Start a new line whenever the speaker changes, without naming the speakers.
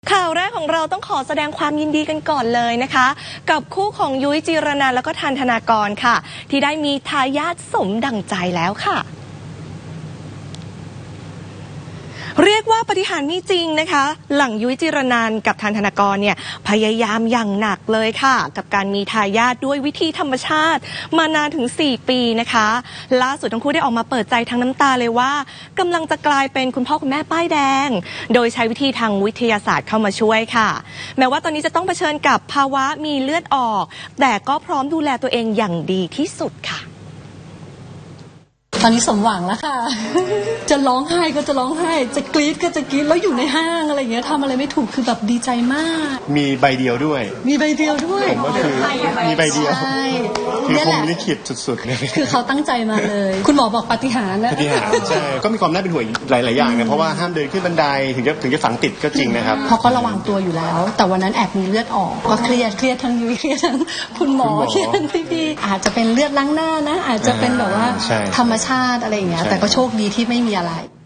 ข่าวแรกของเราต้องขอแสดงความยินดีกันก่อนเลยนะคะกับคู่ของยุ้ยจีรนันท์แล้วก็ทันธนากรค่ะที่ได้มีทายาทสมดั่งใจแล้วค่ะเรียกว่าปาฏิหาริย์มีจริงนะคะหลังยุ้ยจีรนันท์กับทันธนากรเนี่ยพยายามอย่างหนักเลยค่ะกับการมีทายาทด้วยวิธีธรรมชาติมานานถึง4 ปีนะคะล่าสุดทั้งคู่ได้ออกมาเปิดใจทั้งน้ำตาเลยว่ากำลังจะกลายเป็นคุณพ่อคุณแม่ป้ายแดงโดยใช้วิธีทางวิทยาศาสตร์เข้ามาช่วยค่ะแม้ว่าตอนนี้จะต้องเผชิญกับภาวะมีเลือดออกแต่ก็พร้อมดูแลตัวเองอย่างดีที่สุดค่ะ
ตอนนี้สมหวังแล้วค่ะ จะร้องไห้ก็จะร้องไห้จะกรี๊ดก็จะกรี๊ดแล้วอยู่ในห้างอะไรอย่างเงี้ยทำอะไรไม่ถูกคือแบบดีใจมาก
มีใบเดียวด้วย
มีใบเดียวด้วย
ผมก็คือมีใบเดียว
ใช่
คือคงลิขิตสุดๆเลย
คือเขาตั้งใจมาเลย คุณหมอบอกปาฏิหาริย์นะ
ปาฏิหาริย์ใช่ก็มีความน่าเป็นห่วงหลายๆอย่างนะเพราะว่าห้ามเดินขึ้นบันไดถึงจะฝังติดก็จริงนะครับ
เพราะก็ระวังตัวอยู่แล้วแต่วันนั้นแอบมีเลือดออกก็เครียดทั้งยุ้ยเครียดทั้งคุณหมอเครียดทั้งพี่ๆอาจจะเป็นเลือดล้างหน้านะอาจจะเป็นแบบว่าธรรมชาติอะไรอย่างเงี้ยแต่ก็โชคดีที่ไม่มีอะไร